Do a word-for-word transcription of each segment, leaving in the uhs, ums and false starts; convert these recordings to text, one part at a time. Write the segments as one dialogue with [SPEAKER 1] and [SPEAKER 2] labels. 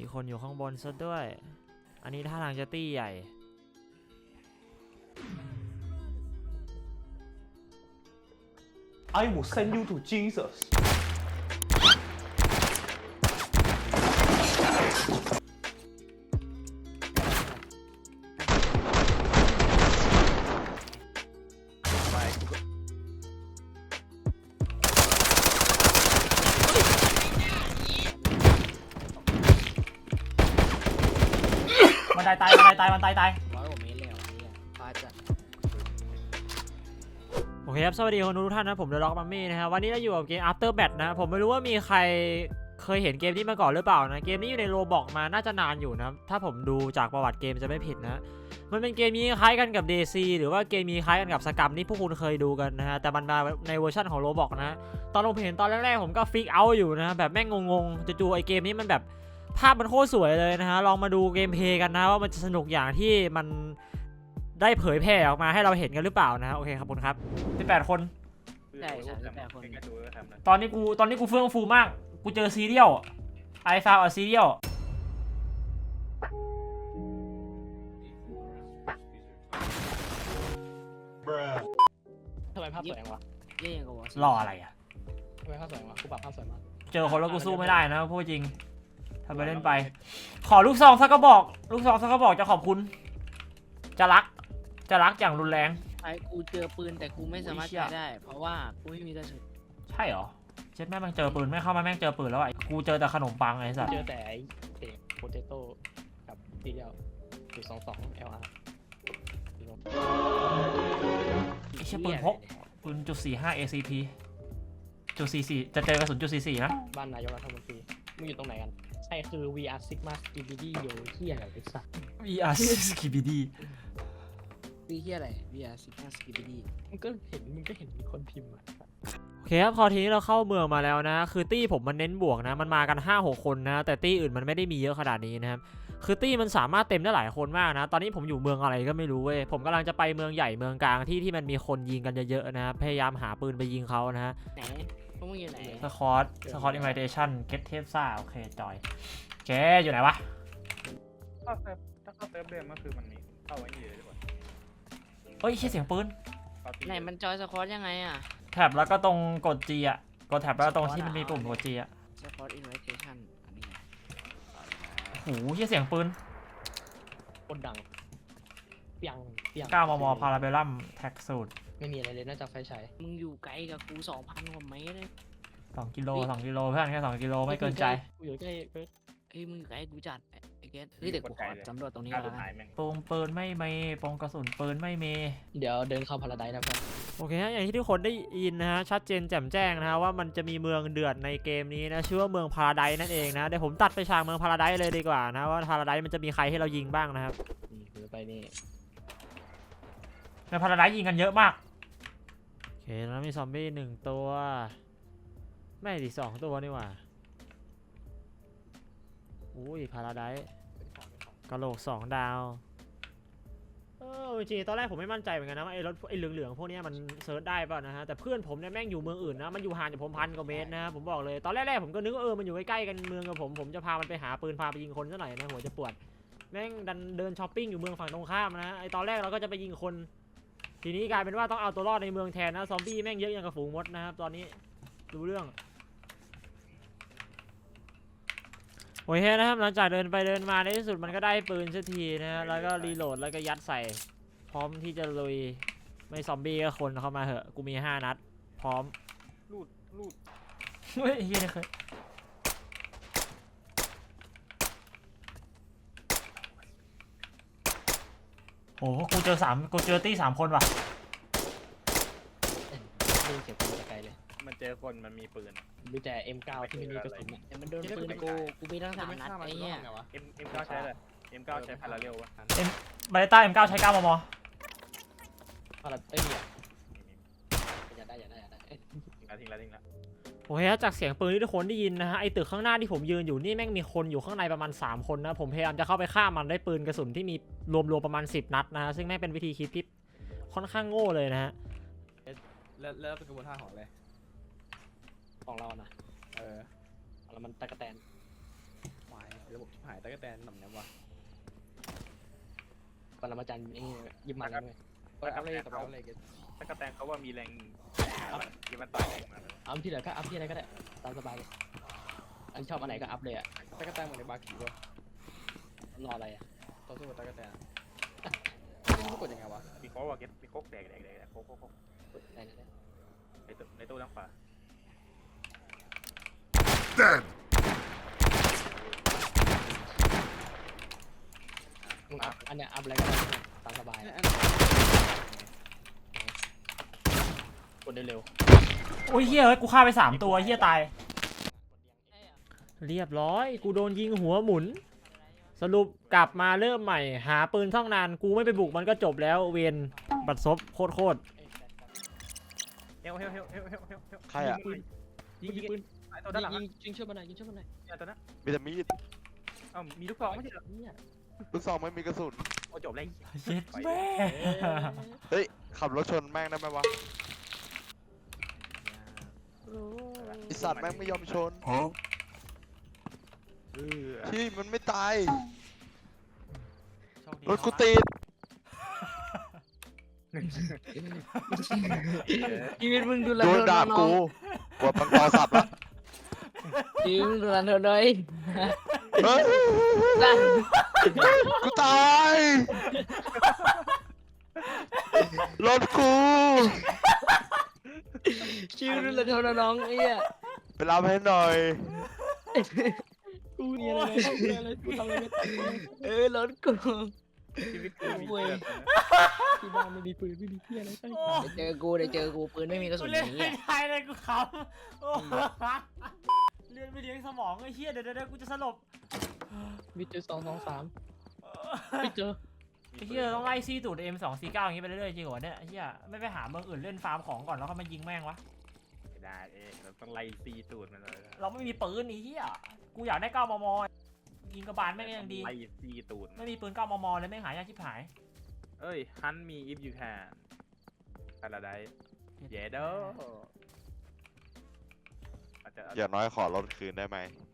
[SPEAKER 1] คนอยู่ข้างบนซะด้วยอันนี้ท่าทางจะตี้ใหญ่
[SPEAKER 2] I will send you to Jesus
[SPEAKER 1] มันตายตายมันตายตายมันตายตาย
[SPEAKER 3] ร้อยกว่าเมตรแล้วเนี่ยปลาจัด
[SPEAKER 1] โอเคครับสวัสดีคนทุกท่านนะผมเดอะล็อกมัมมี่นะครับวันนี้เราอยู่กับเกม After Bat นะผมไม่รู้ว่ามีใครเคยเห็นเกมนี้มาก่อนหรือเปล่านะเกมนี้อยู่ในโรบอกมาน่าจะนานอยู่นะถ้าผมดูจากประวัติเกมจะไม่ผิดนะมันเป็นเกมนี้คล้ายกันกับ ดี ซี หรือว่าเกมนี้คล้ายกันกับสกัมที่พวกคุณเคยดูกันนะฮะแต่มันมาในเวอร์ชันของโรบอกนะตอนผมเห็นตอนแรกๆผมก็ฟิกเอาอยู่นะแบบแม่งงงๆจู่ๆไอเกมนี้มันแบบภาพมันโคตรสวยเลยนะฮะลองมาดูเกมเพลย์กันนะว่ามันจะสนุกอย่างที่มันได้เผยแพร่ออกมาให้เราเห็นกันหรือเปล่านะโอเคครับคุณครับสิบแปดคน
[SPEAKER 3] ใช่สามสิบแปดคน
[SPEAKER 1] ตอนนี้กูตอนนี้กูเฟื่องฟูมากกูเจอซีเรียลไอฟาวเอาซีเรียล
[SPEAKER 4] ทำไมภาพสวยวะ
[SPEAKER 3] เย่ยังกับวอ
[SPEAKER 1] รออะไรอ่ะ
[SPEAKER 4] ทำไมภาพสวยวะกูปรับภาพสวยมาก
[SPEAKER 1] เจอคนแล้วกูสู้ไม่ได้นะพูดจริงทำไปเล่นไปขอลูกซองสักกระบอกลูกซองสักกระบอกจะขอบคุณจะรักจะรักอย่างรุนแรง
[SPEAKER 3] ไอ้กูเจอปืนแต่กูไม่สามารถใช้ได้เพราะว่ากูไม่มีกระสุน
[SPEAKER 1] ใช่เหรอเช็ดแม่งเจอปืนไม่เข้ามาแม่งเจอปืนแล้วไอ้กูเจอแต่ขนมปังไอ้สัส
[SPEAKER 4] เจอแต่ไอ้เด็กโปเตโต้กับซีเรียลจุดสองสอง แอล อาร์
[SPEAKER 1] ไอ้เชี่ยปืนพกปืนจุดสี่ห้า เอ ซี พี จุดสี่สี่จะเจอกระสุนจุดสี่สี่นะ
[SPEAKER 4] บ้านนายกรัฐมนตรีมึงอยู่ตรงไหนกันใช่คือ วี อาร์ Sigma Skibidi อยู่ที่อะไรไอ้สัส
[SPEAKER 1] วี อาร์ Skibidi
[SPEAKER 3] ปีที่อะไรวีอาร์สิบห้าสกิปปี้
[SPEAKER 4] มึงก็เห็นมึงก็เห็นมีคนพิมพ์อ่ะ
[SPEAKER 1] โอเคครับพอทีนี้เราเข้าเมืองมาแล้วนะคือตี้ผมมันเน้นบวกนะมันมากัน ห้าหก คนนะแต่ตี้อื่นมันไม่ได้มีเยอะขนาดนี้นะครับคือตี้มันสามารถเต็มได้หลายคนมากนะตอนนี้ผมอยู่เมืองอะไรก็ไม่รู้เว้ยผมกำลังจะไปเมืองใหญ่เมืองกลางที่ที่มันมีคนยิงกันเยอะๆนะพยายามหาปืนไปยิงเขานะฮะ
[SPEAKER 3] ไหนพวกมึงอยู่ไหน
[SPEAKER 1] สคอตสคอตอินไวเทชั่นเก็ตเทปซ่าโอเคจอยแกอยู่ไหนวะ
[SPEAKER 2] ถ้าเซิร์ฟถ้าเข้าเซิร์ฟเดิมก็คือมันมีเข้าไว้อยู่เลยดีกว่า
[SPEAKER 1] เฮ้ยแค่เสียงปืน
[SPEAKER 3] ไหนมันจอยสควอตยังไงอ่ะ
[SPEAKER 1] แท็บแล้วก็ตรงกด G อ่ะกดแท็บแล้วตรงที่มันมีปุ่มกด G อ่ะ
[SPEAKER 3] สควอตอินไวเทชั่นอันนี้
[SPEAKER 1] โอ้โหแค่เสียงปืน
[SPEAKER 4] คนดังเปียงเปียง
[SPEAKER 1] เก้ามมพาราเบลลัมแท็กสูตร
[SPEAKER 4] ไม่มีอะไรเลยนอกจากไฟฉาย
[SPEAKER 3] มึงอยู่ไกลกับกูสองพันกว่าเมตรเลย
[SPEAKER 1] สองกิโลสองกิโลเพื่อนแค่สองกิโลไม่เกินใจ
[SPEAKER 4] กูอยู่ใกล้เ
[SPEAKER 3] ฮ้ยมึงอยู่ไกลกูจัดไอ้เกสเฮ้ยเดี๋ยวกูขอสำรวจตรงนี้แล้วกัน
[SPEAKER 1] ปงปืนไม่มีปงกระสุนปืนไม่มี
[SPEAKER 4] เดี๋ยวเดินเข้าพาราไดซ์นะเพื่อน
[SPEAKER 1] โอเคฮะอย่างที่ทุกคนได้ยินนะฮะชัดเจนแจ่มแจ้งนะฮะว่ามันจะมีเมืองเดือดในเกมนี้นะชื่อว่าเมืองพาราไดซ์นั่นเองนะเดี๋ยวผมตัดไปฉากเมืองพาราไดซ์เลยดีกว่านะว่าพาราไดซ์มันจะมีใครให้เรายิงบ้างนะครับ
[SPEAKER 4] หรือไปนี่
[SPEAKER 1] ในพาราไดซ์ยิงกันเยอะมากโอเคแล้วมีซอมบี้หนึ่งตัวไม่ดิสองตัวนี่หว่าอุ้ยพาราไดซ์กะโหลกสองดาวเออจริงๆตอนแรกผมไม่มั่นใจเหมือนกันนะว่าไอ้รถไอ้เหลืองๆพวกนี้มันเซิร์ชได้ป่ะนะฮะแต่เพื่อนผมเนี่ยแม่งอยู่เมืองอื่นนะมันอยู่ห่างจากผมพันกว่าเมตรนะผมบอกเลยตอนแรกๆผมก็นึกว่าเออมันอยู่ใกล้ๆกันเมืองกับผมผมจะพามันไปหาปืนพาไปยิงคนซะหน่อยนะหัวจะปวดแม่งดันเดินช้อปปิ้งอยู่เมืองฝั่งตรงข้ามนะไอ้ตอนแรกเราก็จะไปยิงคนทีนี้กลายเป็นว่าต้องเอาตัวรอดในเมืองแทนนะซอมบี้แม่งเยอะอย่างกับฝูงมดนะครับตอนนี้รู้เรื่องโอเคนะครับหลังจากเดินไปเดินมาในที่สุดมันก็ได้ปืนสักทีนะแล้วก็รีโหลดแล้วก็ยัดใส่พร้อมที่จะลุยไม่ซอมบี้ก็คนเข้ามาเหอะกูมีห้านัดพร้อม
[SPEAKER 2] ลูดลูด
[SPEAKER 1] เฮ้ยเฮียนี่เคยโอ้กูเจอสามกูเจอตี้สามคนว่ะ
[SPEAKER 4] ดูเสียงปืนไกลเลย
[SPEAKER 2] มันเจอคนมันมีปืน
[SPEAKER 4] ดูแต่ เอ็ม เก้า ที่ไม่มีกระสุน
[SPEAKER 3] เนี่ยมันโดนปืนกูกูมีทั้งสามนัดไอ้เนี่ย
[SPEAKER 2] เอ็ม เอ็ม เก้าใช้เลย เอ็ม เก้าใช้พาราเรลวะ
[SPEAKER 1] เอ็มบาเลต้า เอ็ม เก้า ใช้เก้ามม
[SPEAKER 4] พาราเอ้ยเนี่ยอย่าได้อย่าได้อย่าได้
[SPEAKER 2] ทิ้งแล้วทิ้งแล้ว
[SPEAKER 1] โอเคจากเสียงปืนที่ทุกคนได้ยินนะฮะไอตึกข้างหน้าที่ผมยืนอยู่นี่แม่งมีคนอยู่ข้างในประมาณสามคนนะผมพยายามจะเข้าไปฆ่ามันได้ปืนกระสุนที่มีรวมๆประมาณสิบนัดนะซึ่งแม่งเป็นวิธีคิดที่ค่อนข้างโง่เลยนะฮะ
[SPEAKER 2] แล้วแล้วเป็นกระบวนท่าของอะไร
[SPEAKER 4] ของเรานะเออแล้วมันตะกะแตน
[SPEAKER 2] หายระบบชิบหาย
[SPEAKER 4] ตะกั่วแตนหน่ำน้ำวะปรมาจารย์ไอ้ยิบมันเลยก็อัพเลยกับอัพเลยกัน
[SPEAKER 2] ถ้ากระแตงเขาว่ามีแรงที่มันต่อยแรงมา
[SPEAKER 4] อัพที่ไหนก็อัพที่ไหนก็ได้ตามสบายอันชอบอันไหนก็อัพเลยอ่ะตะกั่วแตนเหมือนในบาร์คิวะรออะไรอ่ะต่อสู้กับตะกั่วแตนไม่รู้กดยังไงวะ
[SPEAKER 2] มีโค้กว่าเก็ตมีโค้กแดกแดกแดกโค้กโค้กโค้ก
[SPEAKER 4] ไหนไหน
[SPEAKER 2] ในตู้ในตู้ด้านขวา
[SPEAKER 4] มึงอัพอันเนี้ยอัพอะไรก็ได้ตามสบายกดเร็ว
[SPEAKER 1] โอ้ยเฮียเฮ้ยกูฆ่าไปสามตัวเฮียตาย เรียบร้อยกูโดนยิงหัวหมุน สรุปกลับมาเริ่มใหม่ หาปืนท่องนานกูไม่ไปบุกมันก็จบแล้วเวนบัดซบโคตรโคตร
[SPEAKER 2] เฮลเฮลเฮลเฮลเฮลเฮลเฮล
[SPEAKER 5] ใครอ่ะ
[SPEAKER 2] ยิ
[SPEAKER 4] ยิ
[SPEAKER 2] ง
[SPEAKER 4] ง
[SPEAKER 2] ยิง
[SPEAKER 4] ปืน
[SPEAKER 2] ไอ้ตัวด้านหลัง
[SPEAKER 4] ยิงยิงช่วยมันหน่อยยิงช่วยมันหน่อย
[SPEAKER 2] เนี่ยตัวนั้น
[SPEAKER 5] มีแต่มีด
[SPEAKER 2] เอ้ามีลูกซองไม่ใช่เหรอ
[SPEAKER 4] เนี่ย
[SPEAKER 5] ลูกซองไม่มีกระสุน
[SPEAKER 2] โอ้จบเลย
[SPEAKER 1] เย็ดแม่
[SPEAKER 5] เฮ้ย ขับรถชนแม่งได้ไหมวะไอสัตว์แม่งไม่ยอมชน
[SPEAKER 2] เออ
[SPEAKER 5] ที่มันไม่ตาย
[SPEAKER 1] โชคดี
[SPEAKER 5] รถกูติด
[SPEAKER 3] ชีวิตมึงดูแล
[SPEAKER 5] โดนด่ากูกดปังตอสับละ
[SPEAKER 3] ชีวิตมึงดูแลเธอเลย
[SPEAKER 5] เฮ้ยกูตาย รถกู
[SPEAKER 3] ชีวิตดูแลเธอน้องไอ้เหี้ย
[SPEAKER 5] ไปรับให้หน่อย
[SPEAKER 4] กูเนี่ยอะไรเนี่ยอะไรกูทำอะไรไม่ได้
[SPEAKER 3] เออรถกู
[SPEAKER 2] ชีวิตกูมีเกิด
[SPEAKER 4] ที่บ้านไม่มีปืนไม่มีเพี้ยอะไรใช่
[SPEAKER 3] เดี๋ยวเจอกูเดี๋ยวเจอกูปืนไม่มีกระสุ
[SPEAKER 1] กู
[SPEAKER 3] น
[SPEAKER 1] เล่น
[SPEAKER 3] อย่าง
[SPEAKER 1] ไม่
[SPEAKER 3] เงี้ย
[SPEAKER 1] ได้เลยกูขำโอ้เรียนไม่เลี้ยงสมองไอ้เฮียเดี๋ยวเดี๋ยวกูจะสลบ
[SPEAKER 4] มีเจอสองสองสามไม่เจอ
[SPEAKER 1] ไอ้เฮียต้องไล่ซี่ตูด เอ็ม สอง สี่ เก้าอย่างงี้ไปเรื่อยๆจริงเหรอเนี่ยไอ้เฮียไม่ไปหาเมืองอื่นเล่นฟาร์มของก่อนแล้วก็มายิงแม่งวะ
[SPEAKER 2] ไม่ได้เองเราต้องไล่ซีตูดมันเลย
[SPEAKER 1] เราไม่มีปืนไอ้เฮียกูอยากได้เก้ามมยิงกระบาลแม่งก็ยังดี
[SPEAKER 2] ไล่ซีตูด
[SPEAKER 1] ไม่มีปืนเก้ามมเลยแม่งหายากชิบหาย
[SPEAKER 2] เอ้ยฮันมี if you can อะไรได้เยเด้ออาจจะ
[SPEAKER 5] อย่างน้อยขอรถคืนได้ไหม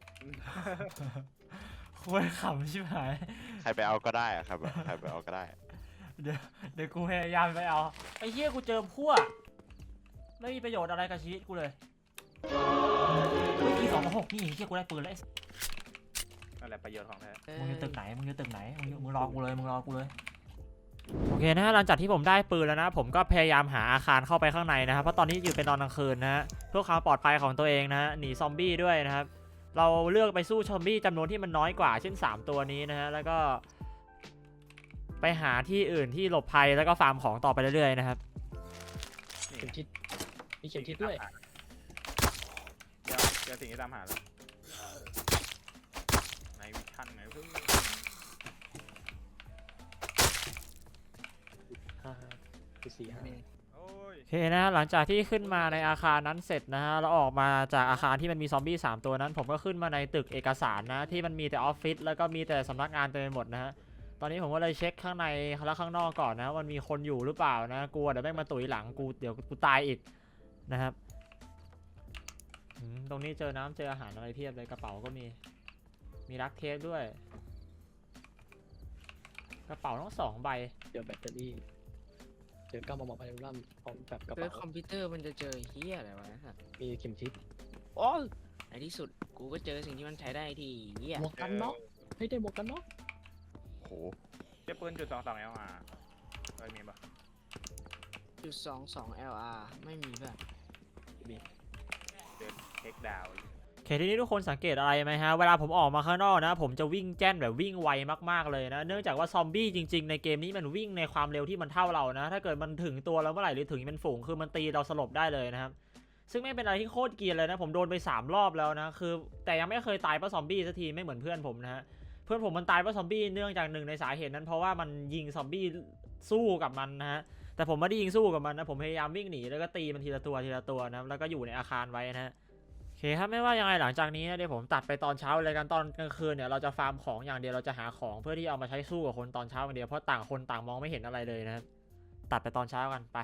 [SPEAKER 1] ควรขำชิบหาย
[SPEAKER 5] ใครไปเอาก็ได้อะครับใครไปเอาก็ได้
[SPEAKER 1] เดี๋ยวเดี๋ยวกูพยายามไปเอาไอ้เหี้ยกูเจอพวกไม่มีประโยชน์อะไรกับชีวิตกูเลยเมื่อกี้สองหกนี่เหี้ยกูได้ปืนแล้ว
[SPEAKER 2] นั่นแหละประโยชน์ของแท้
[SPEAKER 1] มึงอยู่ตึกไหนมึงอยู่ตึกไหนมึงอยู่มึงรอกูเลยมึงรอกูเลยโอเคนะฮะหลังจากที่ผมได้ปืนแล้วนะผมก็พยายามหาอาคารเข้าไปข้างในนะครับเพราะตอนนี้อยู่เป็นตอนกลางคืนนะฮะเพื่อความปลอดภัยของตัวเองนะฮะหนีซอมบี้ด้วยนะครับเราเลือกไปสู้ซอมบี้จำนวนที่มันน้อยกว่าเช่นสามตัวนี้นะฮะแล้วก็ไปหาที่อื่นที่หลบภัยแล้วก็ฟาร์มของต่อไปเรื่อยๆนะครับ
[SPEAKER 2] นี่
[SPEAKER 4] เข็มทิศมีเข็มทิศด้วย
[SPEAKER 2] เจอเจอสิ่งที่ตามหาแล้วในวิชั่นไงเพิ่ง
[SPEAKER 4] ห้าคือสี่ห้า
[SPEAKER 2] โอ้ย
[SPEAKER 1] โอเคนะหลังจากที่ขึ้นมาในอาคารนั้นเสร็จนะฮะแล้วออกมาจากอาคารที่มันมีซอมบี้สามตัวนั้น ผมก็ขึ้นมาในตึกเอกสารนะที่มันมีแต่ออฟฟิศแล้วก็มีแต่สำนักงานเต็มไปหมดนะฮะตอนนี้ผมก็เลยเช็คข้างในและข้างนอกก่อนนะมันมีคนอยู่หรือเปล่านะกลัวเดี๋ยวแม่งมาตุ๋ยหลังกูเดี๋ยวกูตายอีกนะครับอืมตรงนี้เจอน้ำเจออาหารอะไรเพียบเลยกระเป๋าก็มีมีรักเทปด้วย กระเป๋าทั้งสองใบ
[SPEAKER 4] เจอแบตเตอรี่เจอเก้ามมพาราลัมพร้อมแบบกระ
[SPEAKER 3] เจอ
[SPEAKER 4] เป๋า
[SPEAKER 3] คอมพิวเตอร์มันจะเจอเฮียอะไรวะนะ
[SPEAKER 4] มีเข็มทิศอ๋อ
[SPEAKER 3] ในที่สุดกูก็เจอสิ่งที่มันใช้ได้ทีเฮีย
[SPEAKER 4] หมวกกันน็อกให้ได้หมวกกันน็อก
[SPEAKER 5] โห
[SPEAKER 2] เจะปืนจุดสองสองเอลอาร์เคยมีปะ
[SPEAKER 3] จุดสองสอง แอล อาร์ ไม่มีแบบ
[SPEAKER 2] เจอเทคดาวน์
[SPEAKER 1] โอเคทีนี้ทุกคนสังเกตอะไรไหมฮะเวลาผมออกมาข้างนอกนะผมจะวิ่งแจ้นแบบวิ่งไวมากๆเลยนะเนื่องจากว่าซอมบี้จริงๆในเกมนี้มันวิ่งในความเร็วที่มันเท่าเรานะถ้าเกิดมันถึงตัวเราเมื่อไหร่หรือถึงเป็นฝูงคือมันตีเราสลบได้เลยนะครับซึ่งไม่เป็นอะไรที่โคตรเกรียนเลยนะผมโดนไปสามรอบแล้วนะคือแต่ยังไม่เคยตายเพราะซอมบี้สักทีไม่เหมือนเพื่อนผมนะฮะเพื่อนผมมันตายเพราะซอมบี้เนื่องจากหนึ่งในสาเหตุนั้นเพราะว่ามันยิงซอมบี้สู้กับมันนะฮะแต่ผมไม่ได้ยิงสู้กับมันนะผมพยายามวิ่งหนีแล้วก็ตีมันทีละตัวทีละตัวนะแล้วก็อยู่ในอาคารไว้นะฮะ โอเคครับไม่ว่ายังไงหลังจากนี้นะเดี๋ยวผมตัดไปตอนเช้าเลยกันตอนกลางคืนเนี่ยเราจะฟาร์มของอย่างเดียวเราจะหาของเพื่อที่เอามาใช้สู้กับคนตอนเช้าอย่างเดียวเพราะต่างคนต่างมองไม่เห็นอะไรเลยนะครับตัดไปตอนเช้ากันไป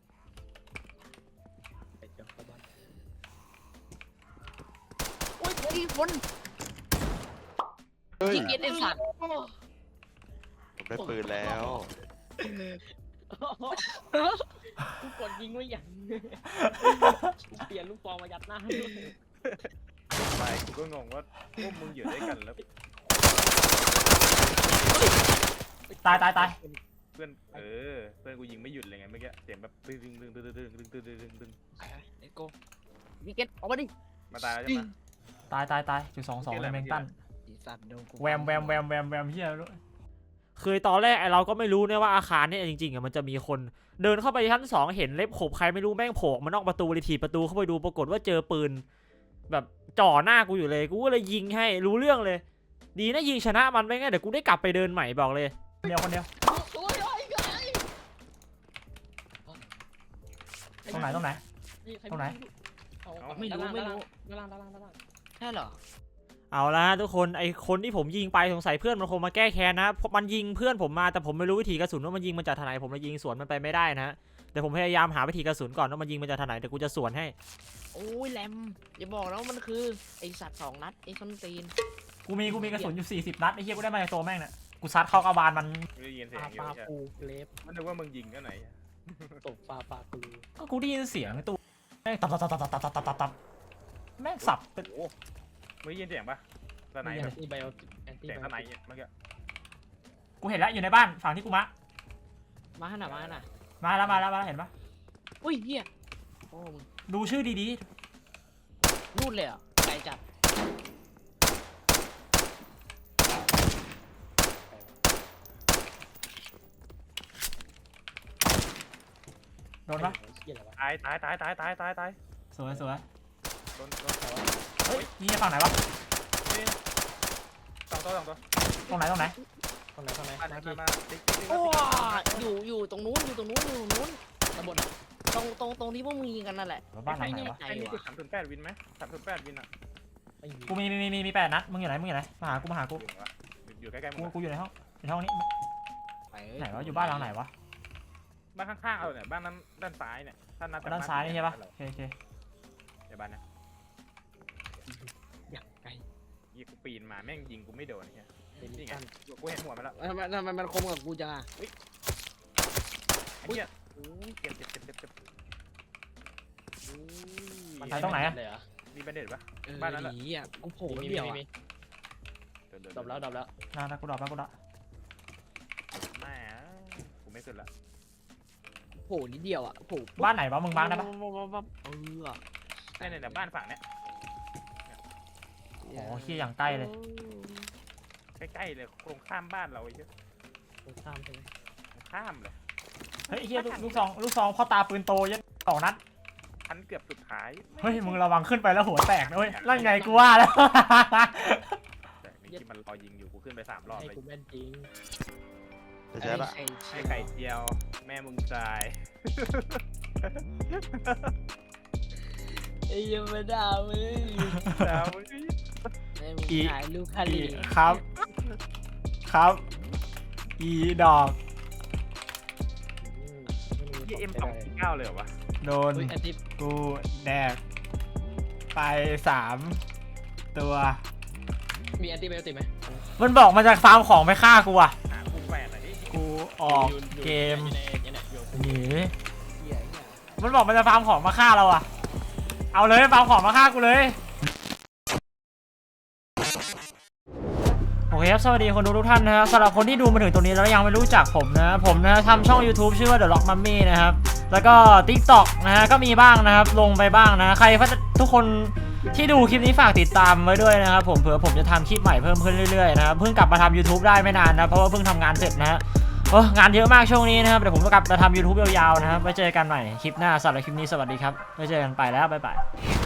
[SPEAKER 4] ไปเจอเข้าบ้าน
[SPEAKER 3] โอ้ยยคน
[SPEAKER 5] เฮ้ย
[SPEAKER 3] ยิงเกตไอ้สัตว์
[SPEAKER 5] ผมได้ปืนแล้ว
[SPEAKER 4] กูกดยิงไว้อย่างเปลี่ยนลูกฟองมายัดหน้าด้วย
[SPEAKER 2] ไปกูก็งงว่าพวกมึงอยู่ด้วยกันแล้ว
[SPEAKER 1] ตายตายตาย
[SPEAKER 2] เพื่อนเออเพื่อนกูยิงไม่หยุดเลยไงเมื่อกี้เสียงแบบตึ้งตึ้งตึ้งตึ้งตึ้งตึ้งตึ้งตึ้งตึ้งตึ้ง
[SPEAKER 3] ไอ้โก้ยิงเกตออกมาดิ
[SPEAKER 2] มาตายแล้วใช่ไหม
[SPEAKER 1] ตายตายตายจุดสองสองเลยแมงตัน
[SPEAKER 3] ไอ้สัตว์โดนกู
[SPEAKER 1] แวมแวมแวมแวมแวมเฮียรู้คือตอนแรกไอเราก็ไม่รู้เนี่ยว่าอาคารเนี่ยจริงๆอ่ะมันจะมีคนเดินเข้าไปชั้นสองเห็นเล็บขบใครไม่รู้แม่งโผล่มานอกประตูเลยถีบประตูเข้าไปดูปรากฏว่าเจอปืนแบบจ่อหน้ากูอยู่เลยกูก็เลยยิงให้รู้เรื่องเลย ดีนะยิงชนะมันไม่งั้นเดี๋ยวกูได้กลับไปเดินใหม่บอกเลยเดียวคนเดียว
[SPEAKER 3] โอ้ยโอ้ยไอ้
[SPEAKER 1] ตรงไหนตรงไหน ตรงไหน
[SPEAKER 3] ไม่รู้ไม่รู้
[SPEAKER 4] ด้านล่างด้านล่างด้านล่าง
[SPEAKER 3] ใช่เหรอ
[SPEAKER 1] เอาละทุกคนไอคนที่ผมยิงไปสงสัยเพื่อนมันคงมาแก้แค้นนะเพราะมันยิงเพื่อนผมมาแต่ผมไม่รู้วิธีกระสุนว่ามันยิงมันจากทางไหนผมเลยยิงสวนมันไปไม่ได้นะเดี๋ยวผมพยายามหาวิธีกระสุนก่อนว่ามันยิงมันจากทางไหนเดี๋ยวกูจะสวนให้
[SPEAKER 3] โอ้ยแรมอย่าบอกนะว่ามันคือไอสัตว์สองนัดไอส้นตีน
[SPEAKER 1] กูมีกูมีกระสุนอยู่สี่สิบนัดไอ้เหี้ยกูได้มาจากตัวแม่งเนี่ยกูซัดเข้ากระบาลมัน
[SPEAKER 2] ไม่ได้ยินเสีย
[SPEAKER 4] ปาง
[SPEAKER 2] อยู่
[SPEAKER 4] ปลา
[SPEAKER 2] ใช่
[SPEAKER 4] ปูเล็บ
[SPEAKER 2] มันนึกว่ามึงยิงก็ไหน
[SPEAKER 4] ตบปลาปลาปู
[SPEAKER 1] ก็กูได้ยินเสียงในตัวแม่งตับตับตับตับตับตับตับตับตับแม่งสับเป็น
[SPEAKER 2] โอ้มึงได้ยินเสียงปะตอนไหน
[SPEAKER 4] แอ
[SPEAKER 2] แบ
[SPEAKER 4] น
[SPEAKER 2] บ
[SPEAKER 4] ตี้ไบโอแอนตี้
[SPEAKER 2] เสียง
[SPEAKER 4] ไบ
[SPEAKER 2] ตอนไหน
[SPEAKER 4] โอ
[SPEAKER 2] เมื่อกี้
[SPEAKER 1] กูเห็นแล้วอยู่ในบ้านฝั่งที่กูมะ
[SPEAKER 3] มาขนาดมาขนาด
[SPEAKER 1] มาแล้วมาแล้วมาแล้วเห็นปะ
[SPEAKER 3] อุ้ยเฮียโอ้มึง
[SPEAKER 1] ดูชื่อดี
[SPEAKER 3] นู่นเลยเหรอ่ะไกลจัด
[SPEAKER 1] ๆโดนปะ
[SPEAKER 4] เหี้ยอะไรวะ
[SPEAKER 2] ตายตายตายตายตายตายตาย
[SPEAKER 1] สวยสวย
[SPEAKER 2] โดนโดนเขา
[SPEAKER 1] เฮ้ยนี่ฝั่งไหนวะ
[SPEAKER 2] นี่สองตัวสองตัว
[SPEAKER 1] ตรงไหนตรงไหน
[SPEAKER 4] ตรงไหนตรงไหน
[SPEAKER 2] มา
[SPEAKER 4] มา
[SPEAKER 2] มา
[SPEAKER 4] ที่
[SPEAKER 2] มาติ๊กติ๊กติ๊ก
[SPEAKER 3] โอ้อยู่อยู่ตรงนู้นอยู่ตรงนู้นอยู่ตรงนู้น
[SPEAKER 4] ตำบล
[SPEAKER 3] ตรงตรงตรงที่พวกมึงยิงกันนั่นแหละ
[SPEAKER 1] บ้านหลังไหนวะ
[SPEAKER 3] ใจ
[SPEAKER 2] ไอ้นี่
[SPEAKER 3] ว่ะ
[SPEAKER 2] คือสามศูนย์แปดวินไหมสามศูนย์แปดวินอ่ะ
[SPEAKER 4] ไม่มี
[SPEAKER 1] กูมีมีมีมีมีแปดนัดมึงอยู่ไหนมึงอยู่ไหนมาหากูมาหากู
[SPEAKER 2] อยู่วะอยู่ใกล้ๆมึ
[SPEAKER 1] กู
[SPEAKER 2] ง
[SPEAKER 1] กูอยู่ในห้องในห้องนี้
[SPEAKER 3] ไป
[SPEAKER 1] ไหนวะอยู่บ้านหลังไหนวะ
[SPEAKER 2] บ้านข้างๆเอาเนี่ยบ้านนั้นด้านซ้ายเนี่ยด้านนั้น
[SPEAKER 1] ด้านซ้ายนี่ใช่ปะโอเคโอเค
[SPEAKER 2] ในบ้านนะ
[SPEAKER 4] อย่างไกล
[SPEAKER 2] ยิงกูปีนมาแม่งยิงกูไม่โดนเนี่ย
[SPEAKER 4] เป็น
[SPEAKER 2] นี่ไง
[SPEAKER 4] กัน
[SPEAKER 2] กูเห็นหัวมันแล้ว
[SPEAKER 3] ทำไมทำไมมันคมกับกูจังอ่ะ
[SPEAKER 2] ไอ้เหี้ยโอ้ยเจ็บเจ็บเจ็บเจ็บเจ็บอุ้ย
[SPEAKER 4] มัน
[SPEAKER 1] ไปตรงไหนอะ
[SPEAKER 4] เลยเหรอ
[SPEAKER 2] มีแบนเด็ดปะ
[SPEAKER 3] เออ
[SPEAKER 2] บ้านนั้นแหละ
[SPEAKER 3] หนีอ่ะกูโผล่
[SPEAKER 4] มี
[SPEAKER 3] เดียว
[SPEAKER 4] มี
[SPEAKER 3] อ่ะ
[SPEAKER 4] มี
[SPEAKER 2] เดินเดิน
[SPEAKER 4] ดรอปแล้วดรอปแล้ว
[SPEAKER 1] น่าน่ากูดรอปแล้วกูดรอป
[SPEAKER 2] แม่กูไม่ขึ้นละ
[SPEAKER 3] โผล่นิดเดียวอ่ะโผล่
[SPEAKER 1] บ้านไหนวะมึงบ้านได้ปะ
[SPEAKER 3] เออ
[SPEAKER 2] เนี่ยเนี่ยบ้านฝั่งเนี้ย
[SPEAKER 1] โอ้เฮียอย่างใกล้เลย
[SPEAKER 2] ใกล้ๆเลยตรงข้ามบ้านเราไอ้เหี้ย
[SPEAKER 4] ตรงข้ามใช่ไหม
[SPEAKER 2] ตรงข้ามเลย
[SPEAKER 1] เฮ้ยเฮียลูกลูกซองลูกซองพ่อตาปืนโตยันสองนัด
[SPEAKER 2] ชั้นเกือบสุดท้าย
[SPEAKER 1] เฮ้ยมึงระวังขึ้นไปแล้วหัวแตกนะเว้ยนั่นไงกูว่าแล้ว
[SPEAKER 2] แต่นี่ที่มันรอยิงอยู่กูขึ้นไปสามรอบ
[SPEAKER 4] ให้
[SPEAKER 2] เลย
[SPEAKER 4] กูแม่นจริง
[SPEAKER 5] จะใช่ละ
[SPEAKER 3] ไอ้
[SPEAKER 2] ไอ้ไข่เจียว แม่มึงตาย
[SPEAKER 3] ไอ้ยังไม่ด่ามึง
[SPEAKER 2] ดาวมึง
[SPEAKER 3] ไอ้มึงถ่ายลูกคา
[SPEAKER 1] อี
[SPEAKER 3] ลี
[SPEAKER 1] ครับ ครับ อีดอก
[SPEAKER 2] ยี่เอ็มสองเก้าเลยเหรอวะ
[SPEAKER 1] โดน
[SPEAKER 4] อุ้ยแอนตี้
[SPEAKER 1] กูแดกไปสามตัว
[SPEAKER 4] มีแอนตี้ไบโอติกไหม
[SPEAKER 1] มันบอกมาจากฟาร์มของไปฆ่ากูอ่ะ
[SPEAKER 2] หาคู่แฝดหน่อยดิ
[SPEAKER 1] กูออก
[SPEAKER 4] ยู่อยู่
[SPEAKER 1] เกม
[SPEAKER 4] อยู่ในอยู่ในอยู่ใน
[SPEAKER 1] หนี
[SPEAKER 3] เหี้ยเนี่ย
[SPEAKER 1] มันบอกมันจะฟาร์มของมาฆ่าเราอ่ะ เอาเลยฟาร์มของมาฆ่ากูเลย โอเคครับสวัสดีคนดูทุกท่านนะครับสำหรับคนที่ดูมาถึงตรงนี้แล้วยังไม่รู้จักผมนะผมนะทำช่อง YouTube ชื่อว่า The Rock Mummy นะครับแล้วก็ TikTok นะฮะก็มีบ้างนะครับลงไปบ้างนะใครทุกคนที่ดูคลิปนี้ฝากติดตามไว้ด้วยนะครับผมเผื่อผมจะทำคลิปใหม่เพิ่มขึ้นเรื่อยๆนะครับเพิ่งกลับมาทำ YouTube ได้ไม่นานนะเพราะว่าเพิ่งทำงานเสร็จนะฮะโอ้งานเยอะมากช่วงนี้นะครับเดี๋ยวผมจะกลับมาทำ YouTube ยาวๆนะครับไว้เจอกันใหม่คลิปหน้าสำหรับคลิปนี้สวัสดีครับไว้เจอกันไปแล้วบ๊ายบาย